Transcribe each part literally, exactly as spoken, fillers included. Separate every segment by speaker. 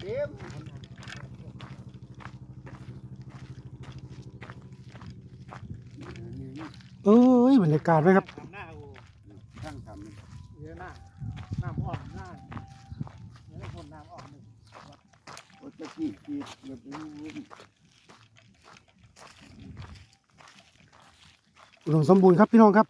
Speaker 1: ต็ม
Speaker 2: เอ้ยบรรยากาศไหมครับ
Speaker 1: ช่างทำ
Speaker 3: เยอะหน้าน้ำอ่อนหน้าเนื้อคนน้ำอ่อนหนึ่ง
Speaker 1: โอ้ตะกี้กีดแบบนี้
Speaker 2: อุดมสมบูรณ์ครับพี่น้องครับ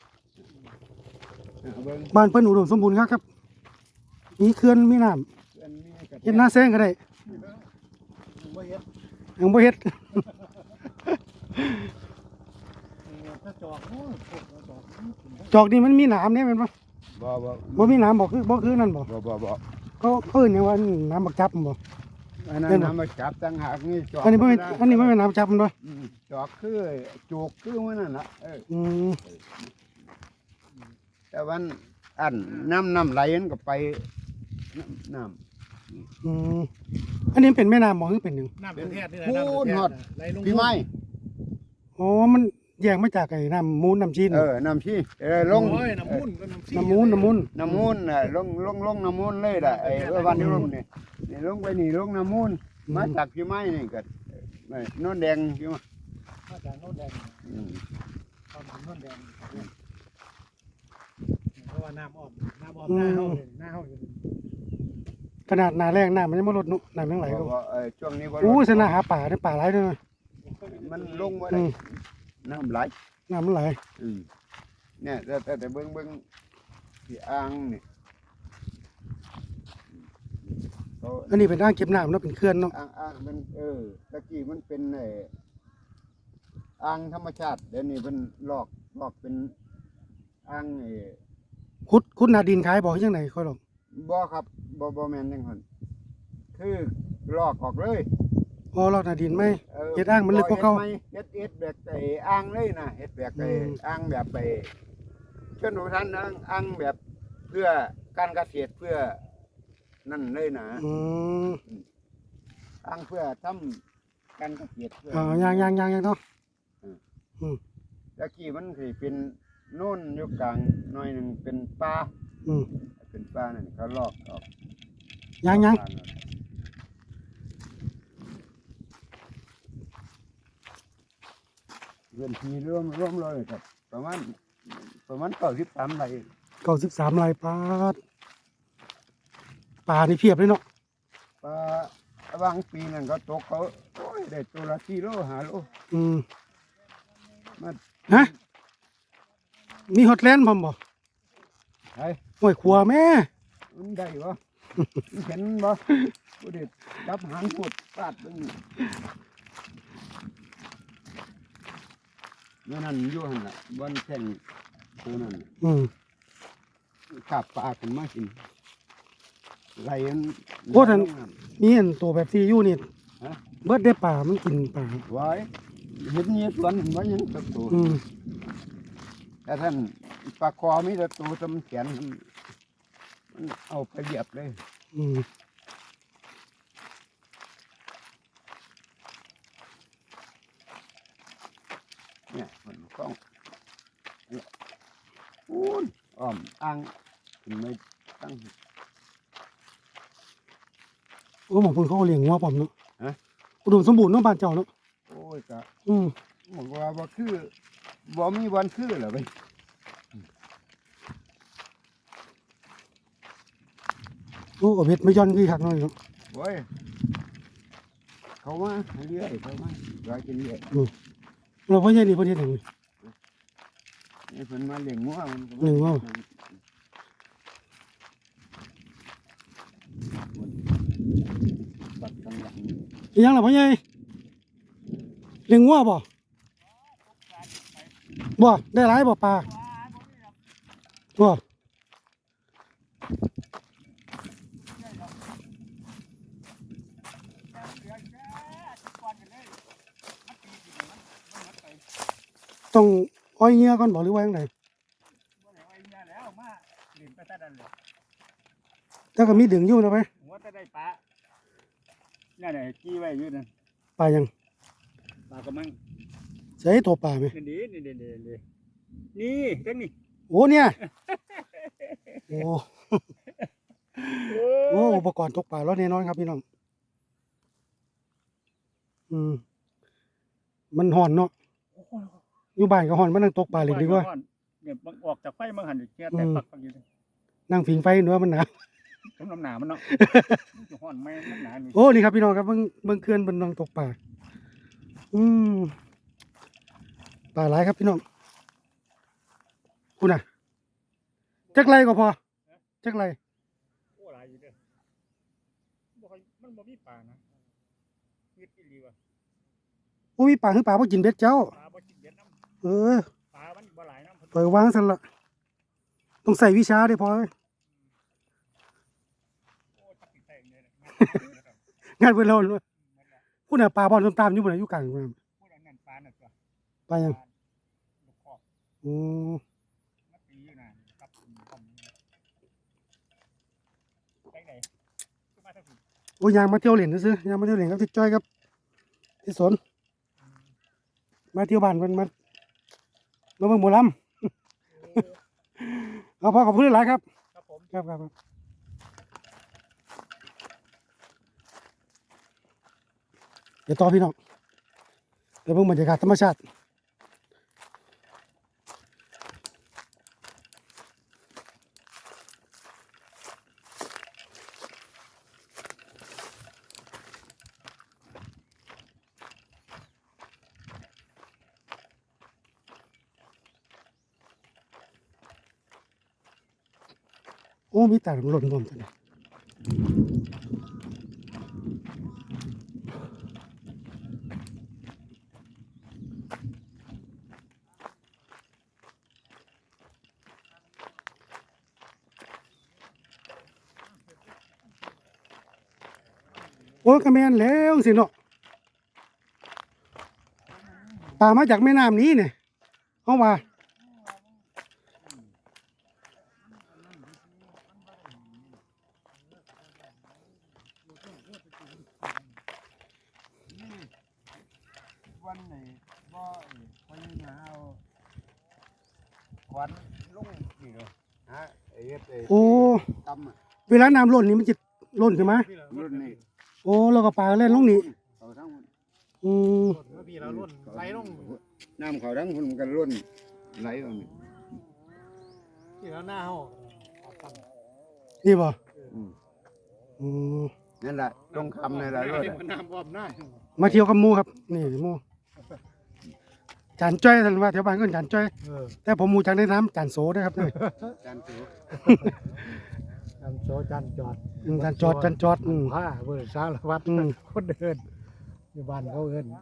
Speaker 2: บ้านเพิ่นอุดมสมบูรณ์ครับครับมีเขื่อนมีน้ำเฮ็ดหน้าแซงก็ได้ยังบ่เฮ็ดจอกนี่มันมีน้ำเนี่ยแม่นบ่
Speaker 1: บ่บ่
Speaker 2: บ่มีน้ำบ่คือบ่คือนั่นบ่
Speaker 1: บ่บ่บ่
Speaker 2: เขาเอิ้นหยังว่าน้ำบักจับบ่
Speaker 1: อันนั้นน้ำมาจับตั้งหากนี่จอก
Speaker 2: อันนี้บ่แม่นอันนี้บ่แม่นน้ำจับมันบ่
Speaker 1: จอกคือจูกคือมันนั่นล่ะเออ
Speaker 2: อืม
Speaker 1: แต่วันอันน้ำน้ำไหลมันก็ไปน้ำ
Speaker 2: อืมอันนี้เป็นแม่น้ำบ่คือเป็นหยัง
Speaker 3: น้ำประเทศนี่แหละน้ำประเทศไหลลง
Speaker 1: พี่ไม้
Speaker 2: อ๋อมันแยกมาจากไอ้น้ำมูลน้ำจีน
Speaker 1: เออน้ำชีเออลง
Speaker 3: น้ำมูลก็น้ำชี
Speaker 2: น้ำมูลน้ำมูล
Speaker 1: น้ำมูลน่ะลงลงลงน้ำมูลเลยล่ะไอ้วันที่ลงนี่นี่ลงไปนี่ลงน้ำมูลมาจากพี่ไม้นี่ก็โน่นแดงใช่ไหม
Speaker 3: มาจากโน่นแดงตอนถึงโน่นแดงเพราะว่าน้ำอ่อนน้ำอ่อนหน้าเฮาเลยหน้าเฮาอยู่
Speaker 2: ขนาดหน้าแรงน้ำมันยังบ่ลดนุน้ำยังไหลก็
Speaker 1: ช่วงนี้
Speaker 2: อู้สนาหาป่าได้ป่าหลายเด้อ
Speaker 1: มันลงบ่ได้น้ำไหล
Speaker 2: น้ำมันไหล
Speaker 1: เนี่ยแต่แต่แต่เบิ่งเบิ่งที่อ่างนี่
Speaker 2: อันนี้เป็นอ่างเก็บน้ำเนาะเป็นเขื่อนเนาะ
Speaker 1: อ่างอ่างมันเออตะกี้มันเป็นไอ้อ่างธรรมชาติเดี๋ยวนี้เป็นลอกลอกเป็นอ่างไอ้
Speaker 2: ขุดขุดหน้าดินขายบ่จังได๋ค่อยหรอก
Speaker 1: บ่ครับบ่บ่แม่นจังซั่นคือลอกออกเลย
Speaker 2: อ๋อลอกหน้าดินไหมเฮ็ดอ่างมันลึกกว่าเก่า
Speaker 1: เฮ็ดเฮ็ดแบบไอ้อ่างเลยนะเฮ็ดแบบไอ้อ่างแบบไปชนบทอ่างอ่างแบบเพื่อการเกษตรเพื่อนั่นเลยนะ
Speaker 2: อืม
Speaker 1: อ่างเพื่อทำการเกษตร
Speaker 2: อ๋อย่างๆๆๆเนาะ
Speaker 1: อืมตะกี้มันสิเป็นโน่นอยู่กลางหน่อยนึงเป็นป่า
Speaker 2: อืม
Speaker 1: เป็นป่านั่นเขาลอกออก
Speaker 2: ย่างๆ
Speaker 1: เงินทีร่วมร่วมเลยครับประมาณประมาณเก้าสิบสามไร่
Speaker 2: เก้าสิบสามไร่ปาดปลานี่เพียบเลยเนาะ
Speaker 1: ปลาบางปีนั่นก็ตกเขาโอ้ยได้ตัวละสี่โลห้าโล
Speaker 2: อืมฮะมีฮอตแลนด์พร้อมบ่
Speaker 1: ไอ้
Speaker 2: ห้วยขัวแม่
Speaker 1: มันได้บ่เห็นบ่ผู้เด็ดจับหางกดปาดตรงนี้นั่นนั่นอยู่หั่นน่ะบนแท่งตัวนั้น
Speaker 2: อืม
Speaker 1: ขับปลาขึ้นมากินไหลมัน
Speaker 2: โอ้ท่านมีอันตัวแบบที่อยู่นี่เบิดได้ปลามันกินปลา
Speaker 1: ไว้เห็นเงี้ยสวนเห็นว่ายังตัวโตแต่ท่านปลาคอมีแต่ตัวตำแขนมันเอาไปเหยียบเลย
Speaker 2: อืม
Speaker 1: เนี่ยมันกล้องอู้นอ้อมอ่างถึงไม่ตั้ง
Speaker 2: โอ้หมอพุ่นเขาเลี้ยงงัวปอมเนาะอุดมสมบูรณ์เนาะบ้านเจ้าเนาะ
Speaker 1: โอ้ยกะ
Speaker 2: อืม
Speaker 1: บอกว่าบ่คือบ่มีวันคือเหรอไป
Speaker 2: โอ้เบ็ดไม่ย้อนคือคักน้อยเนาะ
Speaker 1: โอ้ยเขามาเรื่อยเขามาลอยกินเรื่อย
Speaker 2: เราพ่อใหญ่นี่ประเทศไหน
Speaker 1: นี่เพิ่นมาเลี้ยงงัวมัน
Speaker 2: เลี้ยงงัว
Speaker 1: ปัดข้างหลัง
Speaker 2: อีหยังล่ะพ่อใหญ่เลี้ยงงัวบ่บ่ได้หลายบ่ปลาบ่ต้องอ้อยเงี้ยก่อนบ่หรือว่าจังไดถ้าก็มีดึงอยู่นะไป
Speaker 3: หัวจะได้ปลาเนี่ยไหนจี้ไว้อยู่นั่น
Speaker 2: ปลายัง
Speaker 3: ปลากระมัง
Speaker 2: ใส่ตัวปลาไหม
Speaker 3: นี่นี่นี่นี่นี่นี่จังนี่
Speaker 2: โอ้เนี่ยโอ้โอ้อุปกรณ์ตกปลาแล้วแน่นอนครับพี่น้องอืมมันห่อนเนาะ
Speaker 3: โอ้โห
Speaker 2: อยู่บ้านก็ห่อนมานั่งตกปลาเล่นดีกว่า
Speaker 3: เนี่ยมันออกจากไฟมันหันแค่แต่ปักปักอยู่เลย
Speaker 2: นั่งผิงไฟเนื้อมันหนาว
Speaker 3: สมน้ำหนามันเนาะจะห้อนไหมมันหนานี่
Speaker 2: โอ้นี่ครับพี่น้องครับเบิ่งเบิ่งเขื่อนเบิ่งน้องตกปลาอืมปลาหลายครับพี่น้องคุณน่ะจักไรก็พอจักไร
Speaker 3: โอ้หลายอยู่เด้อบ่ค่อยมันบ่มีปลานะยึดอีหลีว่ะ
Speaker 2: โอ้ยปลาคือปลาบ่กินเบ็ดเจ้า
Speaker 3: ปลาบ่กินเบ็ดน้ำ
Speaker 2: เออ
Speaker 3: ปลามันบ่หลายน้ำเพิ่น
Speaker 2: ปล่อยวางซั่นละต้องใส่วิชาเด้พอเอ้ย
Speaker 3: โอ้จักสิแตงเลยนะ
Speaker 2: งานเพิ่นเราเลยคุณน่ะปลาบ่อนตามๆอยู่บ่น่ะอยู่กลางน้ำ
Speaker 3: พูดอันนั้นปลาน่ะตัว
Speaker 2: ปลาหยัง
Speaker 3: ลูกคอก
Speaker 2: โอ้
Speaker 3: มันตีอยู่น่ะกับคอมไปไหนขึ้นมาทางนี้
Speaker 2: โอ้ยยางมาเที่ยวเล่นซื่อๆยางมาเที่ยวเล่นกับที่จ้อยครับที่สนมาเที่ยวบ้านเพิ่นมามาเบิ่งหมอลำ เอาพอขอบคุณหลายครับ
Speaker 3: ครับผม
Speaker 2: ครับครับครับเดี๋ยวต่อพี่น้องเดี๋ยวเบิ่งบรรยากาศธรรมชาติโอ้มีแต่หล่นรวมกันเลยโอ้กระแมนแล้วสิเนาะปลามาจากแม่น้ำนี้เนี่ยเอาว่า
Speaker 1: วันไหนบ่ไปหาเอาควันลงนี่เนาะฮะไอ้เฮ็ดไอ้
Speaker 2: โอ้
Speaker 1: ตำอะ
Speaker 2: เวลาน้ำล้นนี่มันจะล้นขึ้นมา
Speaker 1: รุ่นนี้
Speaker 2: โอ้เราก็ปลาเล่นลงนี่
Speaker 1: เขาทั้งหมด
Speaker 2: อืม
Speaker 3: เมื่อพี่เราล้นไหลลง
Speaker 1: น้ำเขาทั้งคนมันก็รุ่นไหลออกนี่
Speaker 3: ที่เราหน้าเฮา
Speaker 2: นี่บ่
Speaker 1: อืม
Speaker 2: อืม
Speaker 1: นั่นแหละตรงคำนี่แหละรุ่น
Speaker 3: มันน้ำอ้อมหน้า
Speaker 2: มาเที่ยวกับหมูครับ นี่หมูจานจ้อยท่านว่าแถวบ้านก็จานจ้อย
Speaker 3: เออ
Speaker 2: แต่ผมหมูจากในน้ำจานโสนะครับนี่
Speaker 1: จานถือ
Speaker 3: จันโซจันจอด
Speaker 2: อืมจานจอดจานจอดอืม
Speaker 3: ผ้าเบอร์สารวัตร
Speaker 2: อืม
Speaker 3: คนเดินอยู่บ้านเขาเอิ้น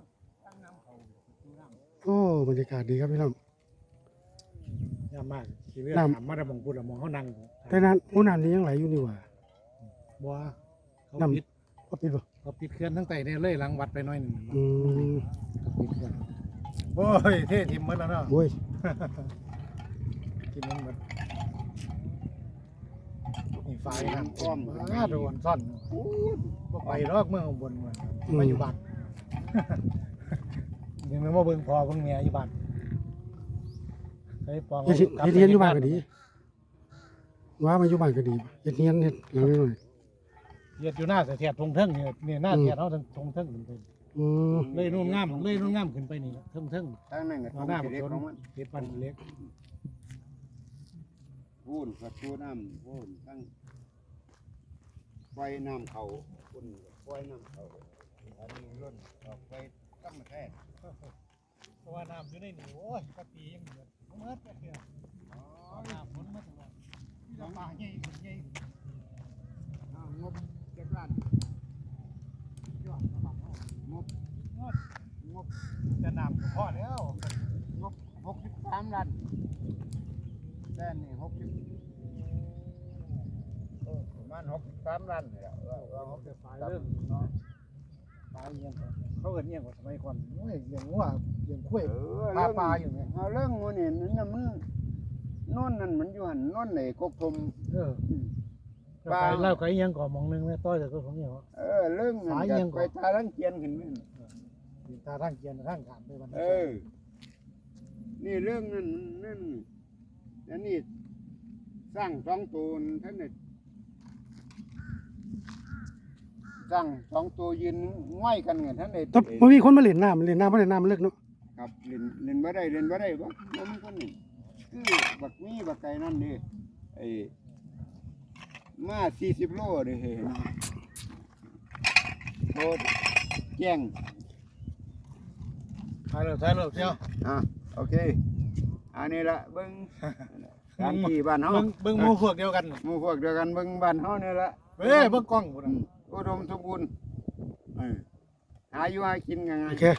Speaker 2: โอ้บรรยากาศดีครับพี่น้อง
Speaker 3: ยามมากสิเลือก
Speaker 2: น้ำ
Speaker 3: ถามมาแต่บางพูดอะมองเขานั่ง
Speaker 2: แต่นั้นโอ้น้ำนี้ยังไหลอยู่นี่หว่า
Speaker 3: บัวเขา
Speaker 2: น้ำ
Speaker 3: ปิด
Speaker 2: ก็ปิดบ่
Speaker 3: เขาปิดเคลื่อนทั้งไตเนี่ยเลยหลังวัดไปหน่อยหนึง
Speaker 2: อืม
Speaker 3: เขาปิดเคลื่อนโอ้ยเท่ทิมหมดแล้วเนาะ
Speaker 2: โอ้ย
Speaker 3: กินมันหมดนี่ไฟนั่นอ้อมอ้าโดนซ่อนบ่ไปรอกเมืองข้างบนมันมาอยู่บ้าน ยังไม่มาเบิ่งพอเบิ่งเมียอยู่บ้านไอ้ปอง
Speaker 2: เฮ็ดเฮ็ดเฮียนอยู่บ้านก็ดี ว่ามาอยู่บ้านก็ดีเฮ็ดเฮียนเฮ็ดหลังน้อย
Speaker 3: เฮ็ดอยู่หน้าเสียเทียบทงเทิงนี่นี่หน้าเทียบเฮาทงทงเทิงขึ้นไป
Speaker 2: ๆอืม
Speaker 3: เลยนู่นงามเลยนู่นงามขึ้นไปนี่เทิงเทิง
Speaker 1: ทั้งนั้นก็
Speaker 3: เอาหน้า
Speaker 1: ต้
Speaker 3: บั
Speaker 1: อก งเด็ก
Speaker 3: ชน
Speaker 1: ของมัน
Speaker 3: เฮ็ดปันเล็ก
Speaker 1: พูนกับชูน้ำพูนทั้งไฟน้ำเขาพูนไฟน้ำเขาอันนี้รุ่นออกไปตั้งมาแท้
Speaker 3: เพราะว่าน้ำอยู่ในนี่โอ้ยกะปียังเหมือนบ่หมดแค่เดียวน้ำฝนมาตลอดที่เราปลาใหญ่ขึ้นใหญ่ขึ้น
Speaker 1: อ้าวงบเจ็ดล้าน
Speaker 3: ยอดกระบะเฮาง
Speaker 1: บ
Speaker 3: งดงบแต่น้ำก็พอแล้ว
Speaker 1: งบหกสิบสามล้านแค่นี้หกสิบเออประมาณหกสิบสามล้านเนี่ยเออเออหกสิบ
Speaker 3: ปลาเรื่องเนาะปลาเยี่ยงก่อนเขาเอิ้นเยี่ยงกว่าสมัยก่อนโอ้ยเลี้ยงวัวเลี้ยงข้วย
Speaker 1: เออ
Speaker 3: ปลาปลาอยู่ไง
Speaker 1: เอาเรื่องงูนี่นั่นน่ะมันโน่นนั่นมันอยู่หันโน่นไหนกกทม
Speaker 3: เออ
Speaker 1: อืม
Speaker 3: ปลาเล่าไก่ยังก่อมองหนึงแม่ต้อยแต่ก็ของเหี่ยว
Speaker 1: เออเรื่องนั่น
Speaker 3: สาย
Speaker 1: ก็
Speaker 3: ยังก่
Speaker 1: ไป
Speaker 3: อน
Speaker 1: ตาลังเกียนขึ้นไหม
Speaker 3: ติดตาทางเกียนทางขามไปวัน
Speaker 1: เออ นี่เรื่องนั้นนั่นอันนี้สร้างสองตูนท่านนี่สร้างสองตัวยืนง่อยกันไงท่านเด็
Speaker 2: แต่บ่มีคนมาเล่นน้ำเล่นน้ำบ่เล่นน้ำมันเลิกเนาะ
Speaker 1: ครับเล่นเล่นบ่ได้เล่นบ่ได้บ่บ่มีคนนี่คือบักมีบักไก่นั่นนี่ไอ้มาสี่สิบโลนี่เห็นโคตรแจ้ง
Speaker 3: ถ่ายเลยถ่ายเลยเจ้า
Speaker 1: อ่ะโอเคอันนี้ละเบิ่งตามที่บ้านเฮา
Speaker 3: เบิ่งเบิ่งหมู่พวกเดียวกัน
Speaker 1: หมู่พวกเดียวกันเบิ่งบ้านเฮานี่ละ
Speaker 3: เฮ้ยเบิ่งกล้องพุ่น
Speaker 1: อื
Speaker 3: น่ะ
Speaker 1: มอุดมสมบูรณ์เออหาอยู่หากินกันไง
Speaker 2: โอเค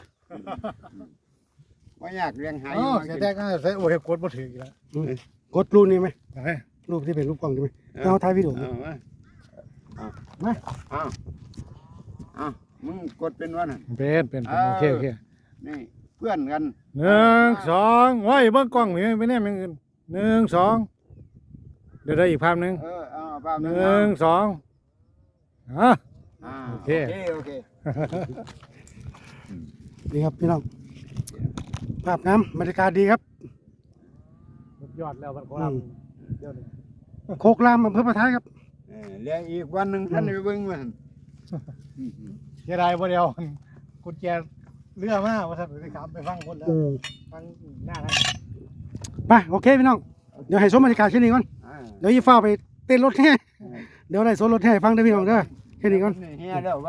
Speaker 1: บ่อยากเลี้ยงหาอ
Speaker 3: อ๋อยู่
Speaker 1: หา
Speaker 3: เสี
Speaker 1: กิ
Speaker 3: ย
Speaker 1: น
Speaker 3: แต่ก็ใส่โอ้ยกดบ่ถึงอีกแล้ว
Speaker 2: อืมกดรูปนี้ไหม
Speaker 3: ไป
Speaker 2: รูปที่เป็นรูปกล้องใช่ไหมเอาถ่ายวิดีโอ
Speaker 1: เอามาเอา
Speaker 2: มา
Speaker 1: เอาเอามึงกดเป็นวะน่ะ
Speaker 3: เป็นเป็นเป็นโอเคโอเค
Speaker 1: นี่เพื่อนกัน
Speaker 3: หนึ่งสองโอ้ยเบิ่งกล้องนี่ไม่แน่มันหนึ่งสองเดี๋ยวได้อีกภาพหนึง
Speaker 1: เออเอาภาพ
Speaker 3: ห
Speaker 1: นึ
Speaker 3: นึ่งสองอ่ะ
Speaker 1: อ่า
Speaker 3: โอ
Speaker 1: โอ
Speaker 3: เค
Speaker 1: เคโอเค
Speaker 2: ดีครับพี่น้องภาพน้ำบรรยากาศดีครับ
Speaker 3: ยอดแล้วมันโค
Speaker 2: อื
Speaker 3: ราช
Speaker 2: ม
Speaker 3: เดี๋ยวนี้
Speaker 2: โคกรามอำเภอประทายครับ
Speaker 1: เออเลี้ยงอีกวันหนึงท่านไปเบิ่งมัน
Speaker 3: เสียดายบ่เดียวกุญแจเรือมาว่าซั่นสิครับไปฟังคนแล้ว
Speaker 2: อืม
Speaker 3: ฟังหน้านั้น
Speaker 2: ไปโอเคพี่น้องเดี๋ยวให้ชมบรรยากาศแค่นี้ก่อน
Speaker 1: อ่า
Speaker 2: เดี๋ยวยี่ฟ้าไปเต้นรถแห่เดี๋ยวได้โซนรถแห่ให้ฟังได้อพี่น้องเด้อแค่นี้ก่อน
Speaker 1: เฮียแล้ว